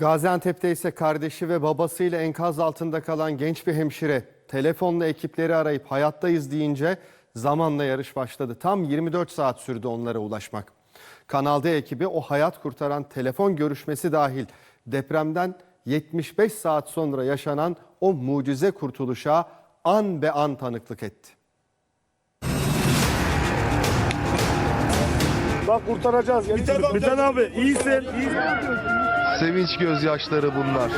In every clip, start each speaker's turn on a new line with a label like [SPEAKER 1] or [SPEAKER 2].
[SPEAKER 1] Gaziantep'te ise kardeşi ve babasıyla enkaz altında kalan genç bir hemşire telefonla ekipleri arayıp hayattayız deyince zamanla yarış başladı. Tam 24 saat sürdü onlara ulaşmak. Kanal D ekibi o hayat kurtaran telefon görüşmesi dahil depremden 75 saat sonra yaşanan o mucize kurtuluşa an be an tanıklık etti.
[SPEAKER 2] Bak kurtaracağız. Biten abi iyisin.
[SPEAKER 3] Sevinç gözyaşları bunlar.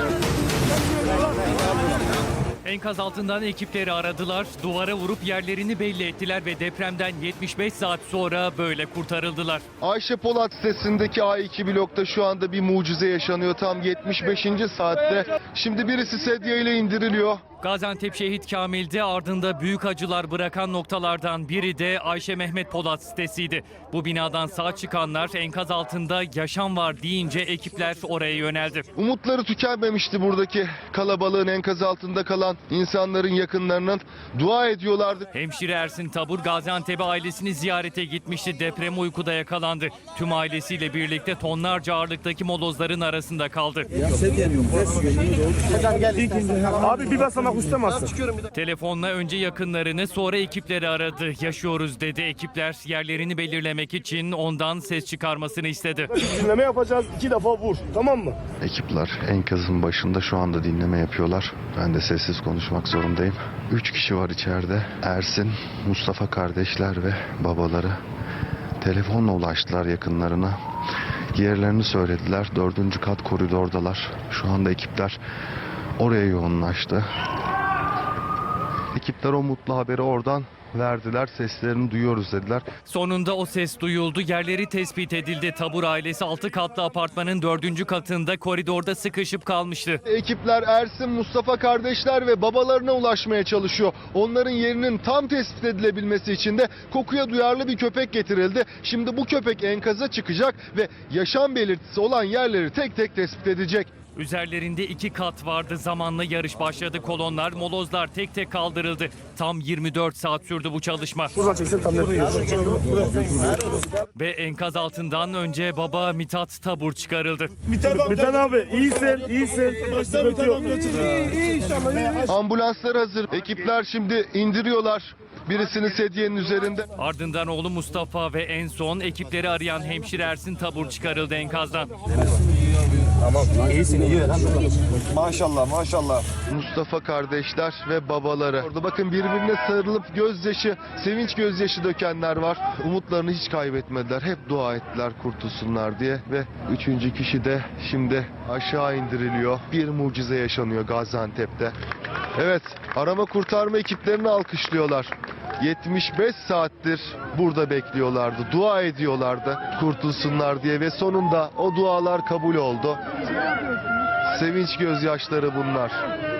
[SPEAKER 4] Enkaz altından ekipleri aradılar, duvara vurup yerlerini belli ettiler ve depremden 75 saat sonra böyle kurtarıldılar.
[SPEAKER 3] Ayşe Polat sitesindeki A2 blokta şu anda bir mucize yaşanıyor. Tam 75. saatte. Şimdi birisi sedye ile indiriliyor.
[SPEAKER 4] Gaziantep Şehit Kamil'de ardında büyük acılar bırakan noktalardan biri de Ayşe Mehmet Polat sitesiydi. Bu binadan sağ çıkanlar enkaz altında yaşam var deyince ekipler oraya yöneldi.
[SPEAKER 3] Umutları tükenmemişti buradaki kalabalığın, enkaz altında kalan insanların yakınlarının. Dua ediyorlardı.
[SPEAKER 4] Hemşire Ersin Tabur Gaziantep'e ailesini ziyarete gitmişti. Deprem uykuda yakalandı. Tüm ailesiyle birlikte tonlarca ağırlıktaki molozların arasında kaldı.
[SPEAKER 2] Abi bir basamak ustamazsın.
[SPEAKER 4] Telefonla önce yakınlarını sonra ekipleri aradı. Yaşıyoruz dedi. Ekipler yerlerini belirlemek için ondan ses çıkarmasını istedi.
[SPEAKER 2] Dinleme yapacağız. 2 defa vur. Tamam mı?
[SPEAKER 3] Ekipler enkazın başında şu anda dinleme yapıyorlar. Ben de sessiz konuşmak zorundayım. 3 kişi var içeride. Ersin, Mustafa kardeşler ve babaları telefonla ulaştılar yakınlarına. Yerlerini söylediler. 4. kat koridordalar. Şu anda ekipler oraya yoğunlaştı. Ekipler o mutlu haberi oradan verdiler. Seslerini duyuyoruz dediler.
[SPEAKER 4] Sonunda o ses duyuldu. Yerleri tespit edildi. Tabur ailesi 6 katlı apartmanın 4. katında koridorda sıkışıp kalmıştı.
[SPEAKER 3] Ekipler Ersin, Mustafa kardeşler ve babalarına ulaşmaya çalışıyor. Onların yerinin tam tespit edilebilmesi için de kokuya duyarlı bir köpek getirildi. Şimdi bu köpek enkaza çıkacak ve yaşam belirtisi olan yerleri tek tek tespit edecek.
[SPEAKER 4] Üzerlerinde 2 kat vardı. Zamanla yarış başladı. Kolonlar, molozlar tek tek kaldırıldı. Tam 24 saat sürdü bu çalışma.
[SPEAKER 2] Buradan çeksin tam net.
[SPEAKER 4] Ve enkaz altından önce baba Mithat Tabur çıkarıldı.
[SPEAKER 2] Biten abi iyisin. Sıkıntı yok.
[SPEAKER 3] Ambulanslar hazır. Ekipler şimdi indiriyorlar. Birisini sedyenin üzerinde.
[SPEAKER 4] Ardından oğlu Mustafa ve en son ekipleri arayan hemşire Ersin Tabur çıkarıldı enkazdan.
[SPEAKER 3] Maşallah. Mustafa kardeşler ve babaları. Orada bakın birbirine sarılıp gözyaşı, sevinç gözyaşı dökenler var. Umutlarını hiç kaybetmediler. Hep dua ettiler kurtulsunlar diye. Ve 3. kişi de şimdi aşağı indiriliyor. Bir mucize yaşanıyor Gaziantep'te. Evet, arama kurtarma ekiplerini alkışlıyorlar. 75 saattir burada bekliyorlardı, dua ediyorlardı kurtulsunlar diye ve sonunda o dualar kabul oldu. Sevinç gözyaşları bunlar.